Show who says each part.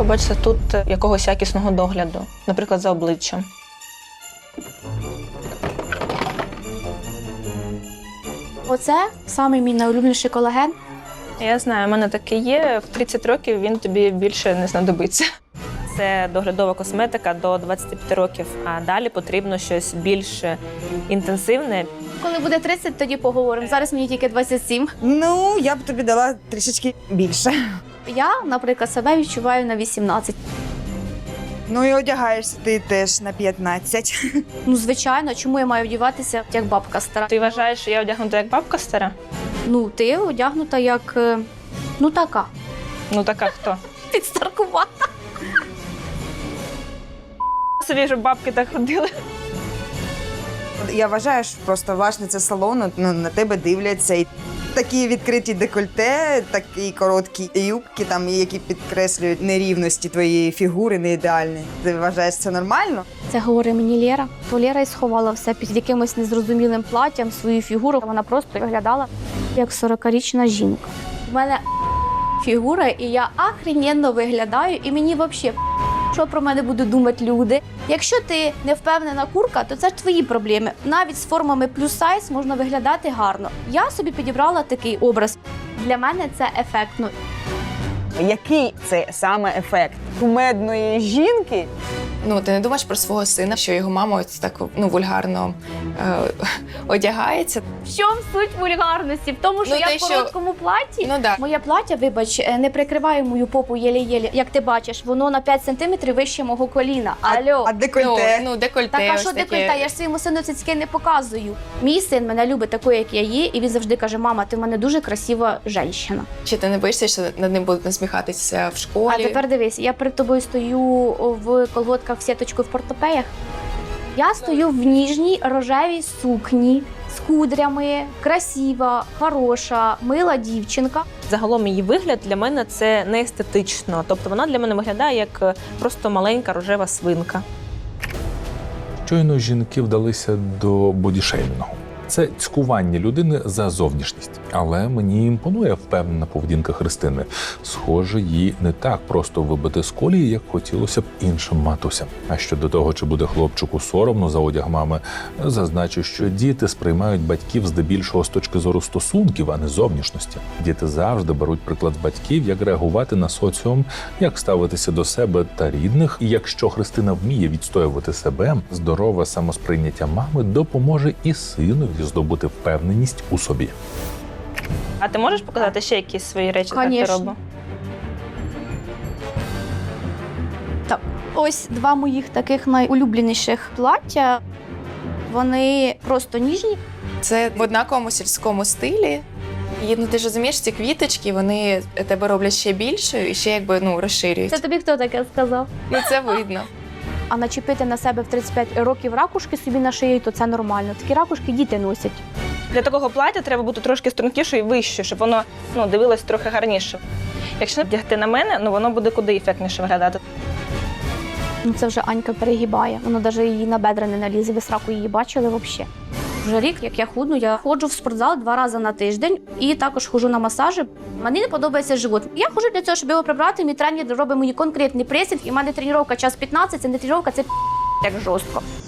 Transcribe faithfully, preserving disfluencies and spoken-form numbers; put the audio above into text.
Speaker 1: побачити тут якогось якісного догляду, наприклад, за обличчям.
Speaker 2: Оце самий мій найулюбленіший колаген.
Speaker 1: Я знаю, у мене таке є. В тридцять років він тобі більше не знадобиться. Це доглядова косметика до двадцяти п'яти років, а далі потрібно щось більш інтенсивне.
Speaker 2: Коли буде тридцять, тоді поговоримо. Зараз мені тільки двадцять сім.
Speaker 3: Ну, я б тобі дала трішечки більше.
Speaker 2: Я, наприклад, себе відчуваю на вісімнадцять.
Speaker 3: Ну і одягаєшся ти теж на п'ятнадцять.
Speaker 2: Ну, звичайно, чому я маю вдіватися як бабка стара?
Speaker 1: Ти вважаєш, що я одягнута як бабка стара?
Speaker 2: Ну, ти одягнута як, е, ну, така.
Speaker 1: Ну така хто?
Speaker 2: Підстаркувата.
Speaker 1: Собі, щоб бабки так ходили.
Speaker 3: Я вважаю, що просто власниця салону, ну, на тебе дивляться. І такі відкриті декольте, такі короткі юбки, там, які підкреслюють нерівності твоєї фігури, не ідеальні. Ти вважаєш це нормально?
Speaker 2: Це говорить мені Лєра. То Лєра і сховала все під якимось незрозумілим платтям, свою фігуру. Вона просто виглядала як сорокарічна жінка. У мене фігура, і я охрененно виглядаю, і мені взагалі що про мене будуть думати люди. Якщо ти не впевнена курка, то це ж твої проблеми. Навіть з формами плюс сайз можна виглядати гарно. Я собі підібрала такий образ. Для мене це ефектно.
Speaker 3: Який це саме ефект кумедної жінки?
Speaker 4: Ну, ти не думаєш про свого сина, що його мама ось так, ну, вульгарно е, одягається?
Speaker 2: В чому суть вульгарності? В тому, що
Speaker 4: Ну,
Speaker 2: я
Speaker 4: те,
Speaker 2: в
Speaker 4: що-
Speaker 2: короткому платі.
Speaker 4: Ну, да.
Speaker 2: Моє плаття, вибач, не прикриває мою попу єлі-єлі. Як ти бачиш, воно на п'ять сантиметрів вище мого коліна. Алло.
Speaker 3: А
Speaker 4: Ну,
Speaker 3: декольте?
Speaker 4: ну, декольте.
Speaker 2: Так, а
Speaker 4: ось
Speaker 2: що
Speaker 4: таке.
Speaker 2: декольте? Я ж своєму сину цицьки не показую. Мій син мене любить такою, як я є, і він завжди каже: мама, ти в мене дуже красива жінка.
Speaker 4: Чи ти не боїшся, що над ним будуть насміхатися в школі?
Speaker 2: А тепер дивись, я перед тобою стою в колготках в сіточку в портопеях. Я стою в ніжній рожевій сукні з кудрями, красива, хороша, мила дівчинка.
Speaker 1: Загалом її вигляд для мене це не естетично. Тобто вона для мене виглядає як просто маленька рожева свинка.
Speaker 5: Щойно жінки вдалися до бодішеймінгу. Це цькування людини за зовнішність. Але мені імпонує впевнена поведінка Христини. Схоже, їй не так просто вибити з колії, як хотілося б іншим матусям. А щодо того, чи буде хлопчику соромно за одяг мами, зазначу, що діти сприймають батьків здебільшого з точки зору стосунків, а не зовнішності. Діти завжди беруть приклад з батьків, як реагувати на соціум, як ставитися до себе та рідних. І якщо Христина вміє відстоювати себе, здорове самосприйняття мами допоможе і синові здобути впевненість у собі.
Speaker 1: А ти можеш показати ще якісь свої речі, як ти
Speaker 2: Конечно.
Speaker 1: робиш?
Speaker 2: Так, ось два моїх таких найулюбленіших плаття. Вони просто ніжні.
Speaker 4: Це в однаковому сільському стилі. І, ну, ти ж розумієш, ці квіточки, вони тебе роблять ще більшою і ще якби, ну, розширюють.
Speaker 2: Це тобі хто таке сказав?
Speaker 4: Ну, це видно.
Speaker 2: А начепити на себе в тридцять п'ять років ракушки собі на шиї, то це нормально. Такі ракушки діти носять.
Speaker 1: Для такого плаття треба бути трошки стрункішою і вищою, щоб воно, ну, дивилось трохи гарніше. Якщо вдягти на мене, ну воно буде куди ефектніше виглядати.
Speaker 2: Ну це вже Анька перегибає. Воно навіть її на бедра не налізе. Ви сраку її бачили взагалі. Вже рік, як я худну, я ходжу в спортзал два рази на тиждень і також ходжу на масажі. Мені не подобається живот. Я ходжу для цього, щоб його прибрати. Мій тренер робить мені конкретний пресинг, і в мене тренування час п'ятнадцять, це не тренування, це як жорстко.